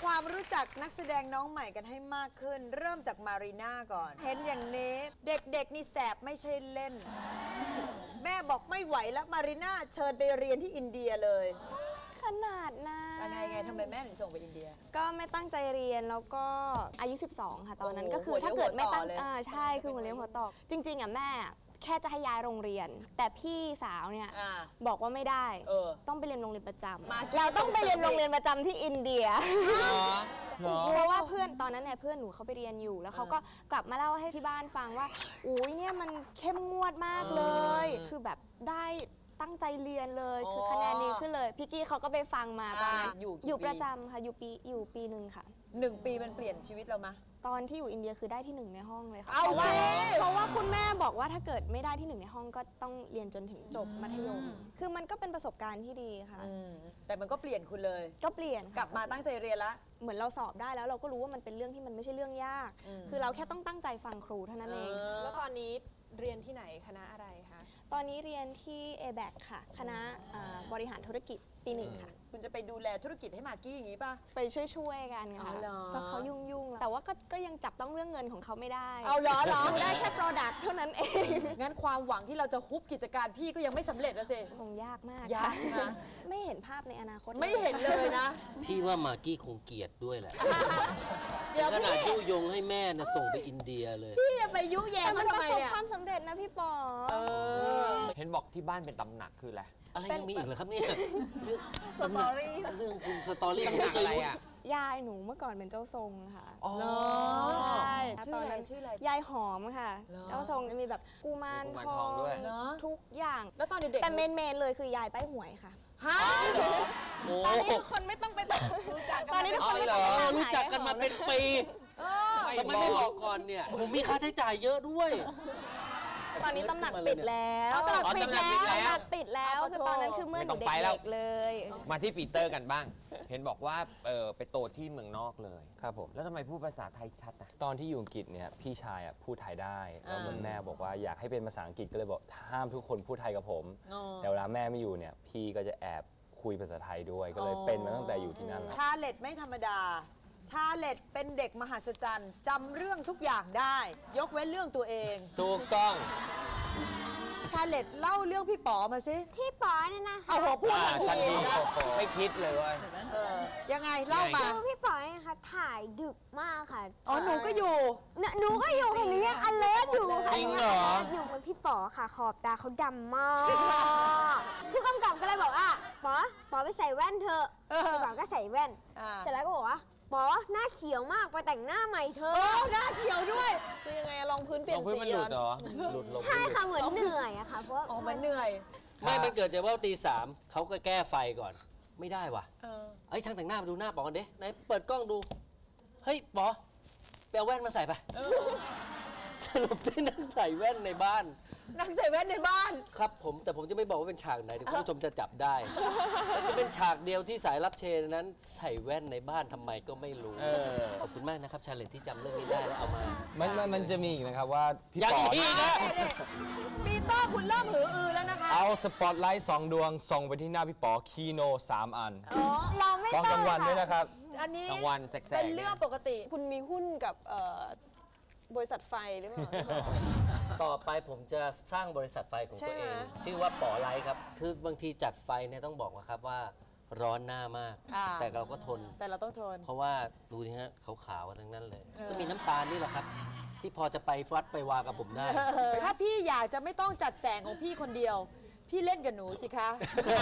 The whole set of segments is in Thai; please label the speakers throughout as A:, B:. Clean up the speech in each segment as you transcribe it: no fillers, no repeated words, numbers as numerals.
A: ความรู้จักนักแสดงน้องใหม่กันให้มากขึ้นเริ่มจากมารีน่าก่อนเห็นอย่างนี้เด็กๆนี่แสบไม่ใช่เล่นแม่บอกไม่ไหวแล้วมารีน่าเชิญไปเรียนที่อินเดียเลย
B: ขนาดนั้น
A: ไงทำไมแม่ถึงส่งไปอินเดีย
B: ก็ไม่ตั้งใจเรียนแล้วก็อายุ12ค่ะตอนนั้นก็คือถ้าเกิดไม่ตั้งใช่คือหัวเลี้ยงหัวต่อจริงๆอ่ะแม่แค่จะให้ย้ายโรงเรียนแต่พี่สาวเนี่ยบอกว่าไม่ได้ต้องไปเรียนโรงเรียนประจำเราต้องไปเรียนโรงเรียนประจำที่อินเดียเพราะว่าเพื่อนตอนนั้นเนี่ยเพื่อนหนูเขาไปเรียนอยู่แล้วเขาก็กลับมาเล่าให้ที่บ้านฟังว่าอุ้ยเนี่ยมันเข้มงวดมากเลยคือแบบได้ตั้งใจเรียนเลยคือคะแนนดีขึ้นเลยพี่กี้เขาก็ไปฟังมาตอนนั้นอยู่ประจำค่ะอยู่ปีหนึ่งค่ะ
A: 1 ปีมันเปลี่ยนชีวิตเราไหม
B: ตอนที่อยู่อินเดียคือได้ที่1ในห้องเลยค่ะ
A: เพราะ
B: ว่าคุณแม่บอกว่าถ้าเกิดไม่ได้ที่1ในห้องก็ต้องเรียนจนถึงจบมัธยมคือมันก็เป็นประสบการณ์ที่ดีค่ะ
A: แต่มันก็เปลี่ยนคุณเลย
B: ก็เปลี่ยน
A: กลับมาตั้งใจเรียนละ
B: เหมือนเราสอบได้แล้วเราก็รู้ว่ามันเป็นเรื่องที่มันไม่ใช่เรื่องยากคือเราแค่ต้องตั้งใจฟังครูเท่านั้นเอง
C: แล้วตอนนี้เรียนที่ไหนคณะอะไรคะ
B: ตอนนี้เรียนที่ ABAC ค่ะคณะบริหารธุรกิจปี 1ค่ะ
A: คุณจะไปดูแลธุรกิจให้มากกี้อย่างนี้ป่ะ
B: ไปช่วยกันค่ะเพราะเขายุ่งแต่ว่าก็ยังจับต้องเรื่องเงินของเขาไม่ได้
A: เอาเหรอ
B: ได้แค่ product เท่านั้นเอง
A: งั้นความหวังที่เราจะฮุบกิจการพี่ก็ยังไม่สำเร็จแล้วสิ
B: คงยากมาก
A: ยากใช่ไหม
B: ไม่เห็นภาพในอนาคต
A: ไม่เห็นเลยนะ
D: พี่ว่ามากกี้คงเกลียดด้วยแหละเดี๋ยวขนาดยุยงให้แม่น่ะส่งไปอินเดียเลย
A: พี่จะไปยุแย่มันทำไมเนี่ย
B: ความสำเร็จนะพี่ปอ
E: เห็นบอกที่บ้านเป็นตำหนักคืออะไร
D: ยังมีอีกเหรอครับเนี่ย
B: สตอรี่
D: เรื่องคุณสตอรี่ไม่เคยรู้
B: ยายหนูเมื่อก่อนเป็นเจ้าทรงค่ะ
A: ใช่ชื่ออะไร
B: ยายหอมค่ะเจ้าทรงจะมีแบบกุมารทองด้วยทุกอย่าง
A: แล้วตอนเด็ก
B: แต่เมนเลยคือยายป้ายหวยค่ะ
A: ฮะ
B: ตอนนี้ทุกคนไม่ต้องไปรู้จักกันตอนนี้ทุกคน
D: รู้จักกันมาเป็นปีทำไมไม่บอกก่อนเนี่ยผมมีค่าใช้จ่ายเยอะด้วย
B: ตอนนี้ตำหนักปิดแล้ว
A: ตำหนักปิด
B: แล้วคือตอนนั้นคือเมื่อหนูเด็กๆเลย
E: มาที่ปีเตอร์กันบ้างเห็นบอกว่าไปโตที่เมืองนอกเลย
F: ครับผม
E: แล้วทำไมพูดภาษาไทยชัดอ่ะ
F: ตอนที่อยู่อังกฤษเนี่ยพี่ชายพูดไทยได้แล้วเหมือนแม่บอกว่าอยากให้เป็นภาษาอังกฤษก็เลยบอกห้ามทุกคนพูดไทยกับผมแต่เวลาแม่ไม่อยู่เนี่ยพี่ก็จะแอบคุยภาษาไทยด้วยก็เลยเป็นมาตั้งแต่อยู่ที่นั่นแล้ว
A: ชาเลตไม่ธรรมดาชาเลตเป็นเด็กมหัศจรรย์จำเรื่องทุกอย่างได้ยกเว้นเรื่องตัวเอง
E: ถูกต้อง
A: ชาเลตเล่าเรื่องพี่ป๋อมาสิ
G: พี่ป๋อเนี่ยนะ
A: เอาหัวพูดทันที
E: ไม่คิดเลยว่า
A: ยังไงเล่ามา
G: พี่ป๋อเนี่ยค่ะถ่ายดึกมากค่ะ
A: หนูก็อยู่
G: ค่ะหนูยังอเลิร์อยู่ค่ะ
E: จริงเหรอ
G: อยู่บนพี่ป๋อค่ะขอบตาเขาดำมากผู้กำกับก็เลยบอกว่าป๋อไปใส่แว่นเถอะพี่ป๋อก็ใส่แว่นเสร็จแล้วก็บอกว่าป๋อหน้าเขียวมากไปแต่งหน้าใหม่เธอ
A: หน้าเขียวด้วย
C: คือยังไงลองพื้นเปลี่ยนสี
E: มันหลุดเหรอ
G: ใช่ค่ะเหมือนเหนื่อยอะค่ะเพราะ
A: มันเหนื่อย
D: ไม่มันเกิดจากว่าตี 3เขาก็แก้ไฟก่อนไม่ได้ว่ะช่างแต่งหน้ามาดูหน้าป๋อกันเด้ไหนเปิดกล้องดูเฮ้ยป๋อไปเอาแว่นมาใส่ไปสรุปได้นั่งใส่แว่นในบ้าน
A: นั่งใส่แว่นในบ้าน
D: ครับแต่ผมจะไม่บอกว่าเป็นฉากไหนเดี๋ยวคุณผู้ชมจะจับได้และจะเป็นฉากเดียวที่สายรับเชิญนั้นใส่แว่นในบ้านทำไมก็ไม่รู้ขอบคุณมากนะครับชาเลนที่จำเรื่องนี้ได้แล้วเอามา
F: มันจะมีอีกนะครับว่า
D: พี่ป๋อนะ
A: ปีเตอร์คุณเริ่มหืออือแล้วนะคะ
F: เอาสปอตไลท์2 ดวงส่งไปที่หน้าพี่ป๋อคีโน3 อัน
G: เราไม่
F: ต้องกลางวันด้วยนะครับ
A: อันนี้
E: กลางวันแสก
A: เป็นเรื่องปกติ
C: คุณมีหุ้นกับบริษัทไฟหรือเปล่า
D: ต่อไปผมจะสร้างบริษัทไฟของตัวเองชื่อว่าป๋อไลท์ครับคือบางทีจัดไฟเนี่ยต้องบอกว่าครับว่าร้อนหน้ามากแต่เราก็ทน
A: แต่เราต้องทน
D: เพราะว่าดูนี่ฮะขาวๆทั้งนั้นเลยก็มีน้ำตาลนี่แหละครับที่พอจะไปฟัดไปวากับผมได้
A: ถ้าพี่อยากจะไม่ต้องจัดแสงของพี่คนเดียวพี่เล่นกับหนูสิคะ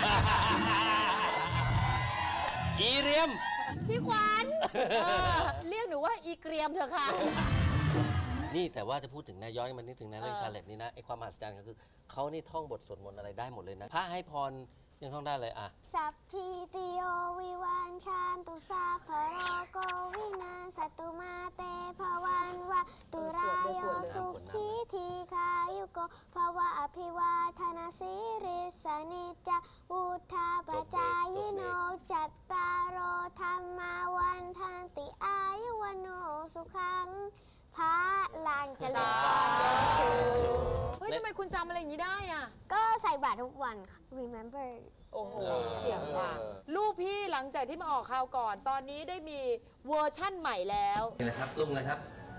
D: อีเรียม
A: พี่ขวัญเรียกหนูว่าอีเกรียมเถอะค่ะ
D: นี่แต่ว่าจะพูดถึงนะย้อนมันนึกถึงนะเรื่องชาเลตนี่นะไอความมหัศจรรย์ก็คือเขานี่ท่องบทสวดมนต์อะไรได้หมดเลยนะพระให้พรยังท่องได้เลยอ่ะ
G: สัพพิติโยวิวันชานตุสาภโรโกวินาสัตุมาเตภวันวะตุรายโยสุขีทีคายุโกภวะอภิวาทนาสิริสนิจจอุทาปจายโนจัตตารโอธรรมาวันทันติอายุวโนสุขังพระลานเจริญ
A: เฮ้ยทำไมคุณจำอะไรอย่างนี้ได้อ่ะ
G: ก็ใส่บาตรทุกวันค่ะ remember
C: โอ้โห
A: เก่งว่ะลูกพี่หลังจากที่มาออกข่าวก่อน ตอนนี้ได้มีเวอร์ชั่นใหม่แล้ว
D: นี่นะครับตุ้งนะครับ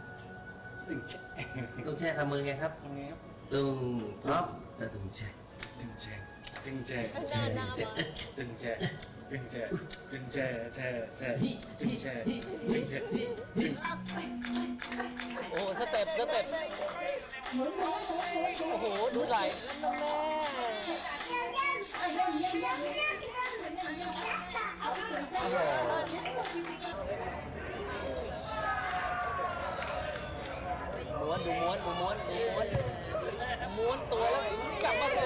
D: ตุ้งแช่ทำมือไงครับตุ้งพร้อมแล้วตุ้งแช่
H: ตึงแช่ตึงแช่
A: หน้าหน้ามา
H: ตึงแช่ตึงแช่ตึงแช่แช่แช่ตึงแช่ตึงแช่ตึง
D: โอ้สเต็ปโอ้โหดูไหลม้วนดูม้วนตัวแล้วกลับมาสิ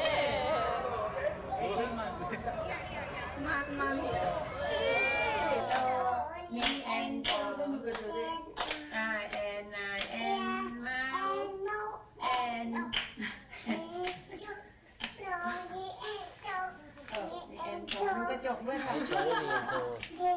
G: กระจกด้วยค่ะ
D: โชว์โชว์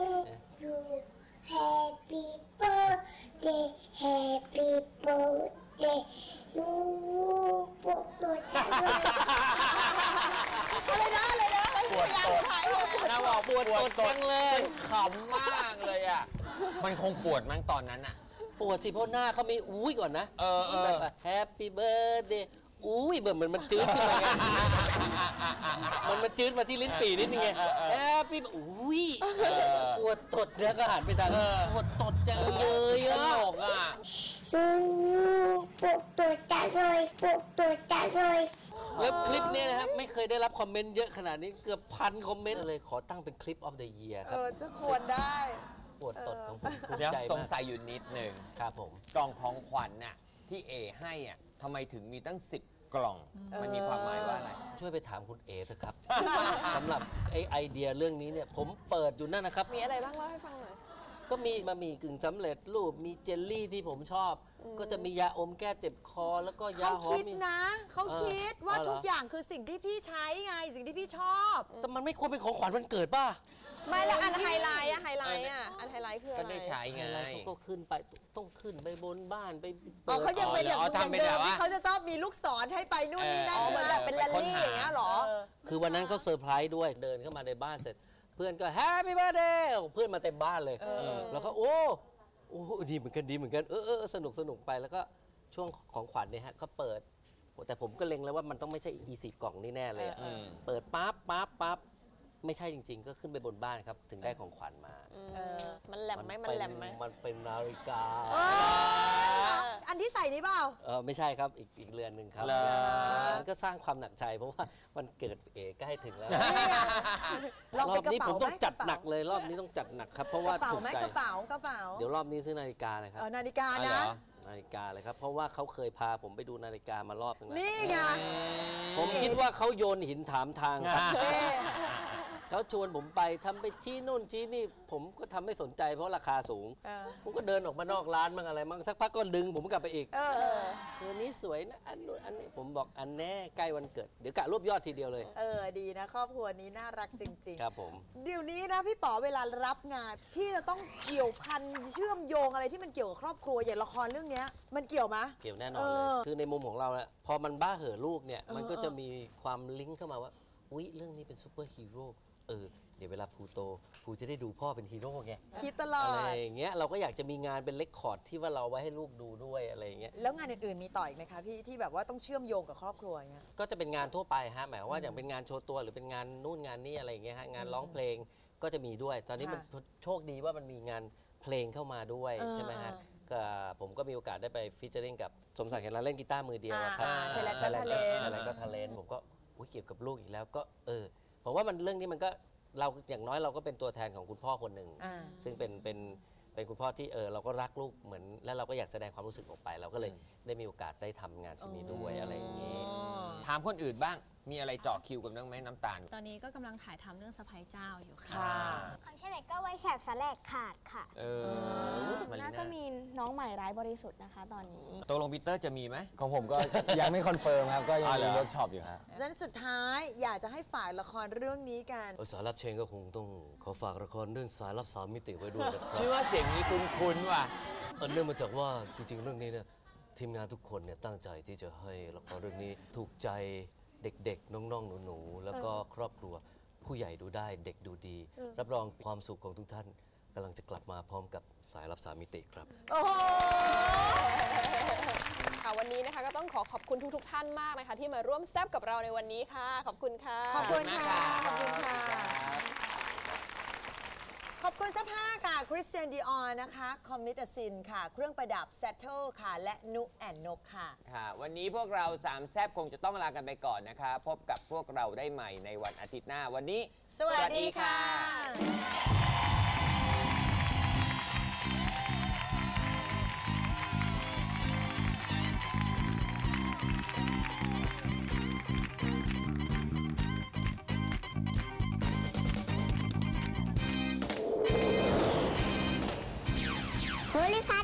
G: Happy birthday Happy birthday ยูปวดตัวจังเลย
A: อะไรนะ
E: ปวดตดนะบอกปวดตดเลยขำมากเลยอ่ะ มันคงปวดมั้งตอนนั้นอ่ะ
D: ปวดสิเพราะหน้าเขามีอุ้ยก่อนนะแฮปปี้เบิร์ดเดย์อุ้ยเหมือนมันจืดขึ้นมาไงมันจืดมาที่ลิ้นปี่นิดนึงไงแฮปปี้อุ้ยปวดตดแล้วก็หันไปทางปวดตดจังเลยอ่ะ
E: ตลกอ่ะ
G: ปวดตัวจังเลยปวดตัวจังเลย
D: แล้วคลิปนี้นะครับไม่เคยได้รับคอมเมนต์เยอะขนาดนี้เกือบ1,000 คอมเมนต์เลยขอตั้งเป็นคลิป of the year ครับ
A: จะควรได้
D: ปวดตดของผมภู
E: เดี๋ยว
D: มิใจ
E: สง
D: มาก
E: สัยอยู่นิดหนึ่ง
D: ครับผม
E: กล่องของขวัญน่ะที่เอให้อ่ะทำไมถึงมีตั้ง10 กล่อง มันมีความหมายว่าอะไร
D: ช่วยไปถามคุณเอเถอะครับ สำหรับไอเดียเรื่องนี้เนี่ยผมเปิดอยู่นั่นนะครับ
C: มีอะไรบ้างเล่าให้ฟังหน่อย
D: ก็มีบะหมี่กึ่งสำเร็จรูปมีเจลลี่ที่ผมชอบ ก็จะมียาอมแก้เจ็บคอแล้วก็ยา
A: เขา
D: หอม
A: คิดนะ เขาคิดว่า
D: อ๋อเหรอ
A: ทุกอย่างคือสิ่งที่พี่ใช้ไง สิ่งที่พี่ชอบ
D: แต่มันไม่ควรเป็นของขวัญวันเเกิดป่ะ
C: ไม่แล้วอันไฮไลท์อะไฮไลท์อะอันไฮไลท์คืออะไร
E: ก็ได้ใช้ไง
D: อะไรเขาก็ขึ้นไปต้องขึ้นไปบนบ้านไป
A: อ๋อเขายังเป็นอย่าง
E: อ๋อ
A: อย่าง
E: ทำเป็น
A: เดิ
E: แบ
A: ม
E: บว่า
A: ที่เขาจะชอบมีลูกศรให้ไปนู่นนี่นั่น
C: อ๋อ
A: ใช่
C: มัน
A: ไหม
C: แบบเป็นแรลลี่อย่างเงี้ยเหรอ
D: คือวันนั้นเขาเซอร์ไพรส์ด้วยเดินเข้ามาในบ้านเสร็จ เพื่อนก็แฮปปี้เบิร์ดเดย์เพื่อนมาเต็มบ้านเลยแล้วก็โอ้ดีเหมือนกันสนุกไปแล้วก็ช่วงของขวัญเนี่ยฮะก็เปิดแต่ผมก็เล็งแล้วว่ามันต้องไม่ใช่20 กล่องนี่แน่เลยอะเปิดปั๊บไม่ใช่จริง ๆ ก็ขึ้นไปบนบ้านครับถึงได้ของขวัญมา
C: มันแหลมไหมมันแหลมไหม
D: มันเป็นนาฬิกา
A: อันที่ใส่นี้เปล่า
D: ไม่ใช่ครับอีกเรือนหนึ่งครับ
E: เหรอ
D: มันก็สร้างความหนักใจเพราะว่าวันเกิดเอใกล้ถึงแล้ว
A: นี่ไงลอง
D: รอ
A: เป็น
D: บ
A: กระ
D: นี้ผ
A: เป๋าม ไหม
D: ต้องจัดหนักเลยรอบนี้ต้องจัดหนักครับเพราะ
A: ก
D: ว่า
A: ระเป๋า
D: ถูก
A: ไหม
D: ใจ
A: กระเป๋ากระเป๋า
D: เดี๋ยวรอบนี้ซื้อนาฬิกาเลยครับ
A: นาฬิกา
E: อ๋อเหร
A: นะ
E: อ
D: นาฬิกาเลยครับเพราะว่าเขาเคยพาผมไปดูนาฬิกามารอบนึงแล้ว
A: นี่ไง
D: ผมคิดว่าเขาโยนหินถามทางครับ
A: เอ๊ะ
D: เขาชวนผมไปทำไปชี้นู่นชี้นี่ ผมก็ทำไม่สนใจเพราะราคาสูง ผมก็เดินออกมานอกร้านบ้างอะไรบ้างสักพักก็ดึงผมกลับไปอีกเรือนนี้สวยนะอันนู้นอันนี้ผมบอกอันแน่ใกล้วันเกิดเดี๋ยวกะรวบยอดทีเดียวเลย
A: ดีนะ ครอบครัวนี้น่ารักจริง
D: ครับผม
A: ๆ เดี๋ยวนี้นะพี่ป๋อเวลารับงาน พี่จะต้องเกี่ยวพันเชื่อมโยงอะไรที่มันเกี่ยวกับครอบครัวอย่างละครเรื่องเนี้ยมันเกี่ยวไหม
D: เกี่ยวแน่นอนเลย คือในมุมของเราเนี่ยพอมันบ้าเห่อะลูกเนี่ย มันก็จะมีความลิงก์เข้ามาว่า อุ๊ย เรื่องนี้เป็นซูเปอร์ฮีโร่เดี๋ยวเวลาภูโตภูจะได้ดูพ่อเป็นฮีโร่ไง
A: คิดตลอ
D: อะไร
A: ด
D: อย่างเงี้ยเราก็อยากจะมีงานเป็นเรคคอร์ดที่ว่าเราไว้ให้ลูกดูด้วยอะไรอย่างเงี้ย
A: แล้วงานอื่นๆมีต่ออีกไหมคะพี่ที่แบบว่าต้องเชื่อมโยงกับครอบครัวอย่างเงี้ย
D: ก็จะเป็นงานทั่วไปฮะหมายความว่าอย่างเป็นงานโชว์ตัวหรือเป็นงานนู่นงานนี่อะไรอย่างเงี้ยฮะงานร้องเพลงก็จะมีด้วย ตอนนี้มันโชคดีว่ามันมีงานเพลงเข้ามาด้วยใช่ไหมฮะก็ผมก็มีโอกาสได้ไปฟีเจอริ่งกับสมศักดิ์เห็นเราเล่นกีตาร์มือเดียวอะครับ
A: ไทยแลนด์ก็ทะเลน
D: อะไรก็ทะเลนผมก็อุ๊ยเกี่ยวกับลูกอีกแล้วก็ผมว่ามันเรื่องนี้มันก็เราอย่างน้อยเราก็เป็นตัวแทนของคุณพ่อคนหนึ่งซึ่งเป็นคุณพ่อที่เราก็รักลูกเหมือนแล้วเราก็อยากแสดงความรู้สึกออกไป เราก็เลยได้มีโอกาสได้ทำงานชิ้นนี้ด้วยอะไรอย่างนี้
E: ถามคนอื่นบ้าง มีอะไรเจาะคิวกันบ้างไหมน้ำตาล
I: ตอนนี้ก็กำลังถ่ายทำเรื่องสะพ้ายเจ้าอยู่ค่ะ
A: ค่ะ
G: ของเฉลยก็ไว้แสบสแลกขาดค่ะ
E: มารี
B: น่า
E: น่า
B: ก็มีน้องใหม่ร้ายบริสุทธิ์นะคะตอนนี้
E: ตกลงปีเตอร์จะมีไหม
F: ของผมก็ยังไม่คอนเฟิร์มครับ ก็ยัง
E: อ๋อเหร
F: มี
E: อ
F: เวิร์กช็อปอยู่ฮะ
A: ดังนั้นสุดท้ายอยากจะให้ฝ่ายละครเรื่องนี้กัน
D: สายลับเชนก็คงต้องขอฝากละครเรื่องสายลับ3 มิติไว้ด้วยนะครับ
E: ชื่อว่าเสียงนี้คุ้นๆว่ะ
D: เนื่องมาจากว่าจริงๆเรื่องนี้เนี่ยทีมงานทุกคนเนี่ยตั้งใจที่จะให้ละครเรื่องนี้ถูกใจเด็กๆน้องๆหนูๆแล้วก็ครอบครัวผู้ใหญ่ดูได้เด็กดูดี รับรองความสุขของทุกท่านกำลังจะกลับมาพร้อมกับสายลับ3 มิติครับ
A: โอ้โห
C: ค่ะวันนี้นะคะก็ต้องขอบคุณทุกท่านมากนะคะที่มาร่วมแซบกับเราในวันนี้ค่ะขอบคุณค่ะ
A: ขอบคุณค่ะ ขอบคุณค่ะ ขอบคุณเสื้อผ้าค่ะคริสเตียนดีออนะคะคอมมิตาซินค่ะ เครื่องประดับ Settle ค่ะ และนุแอนนกค่ะ
E: ค่ะ วันนี้พวกเรา3แซบคงจะต้องลากันไปก่อนนะคะ พบกับพวกเราได้ใหม่ในวันอาทิตย์หน้าวันนี้
A: สวัสดีค่ะ
G: โพลิพา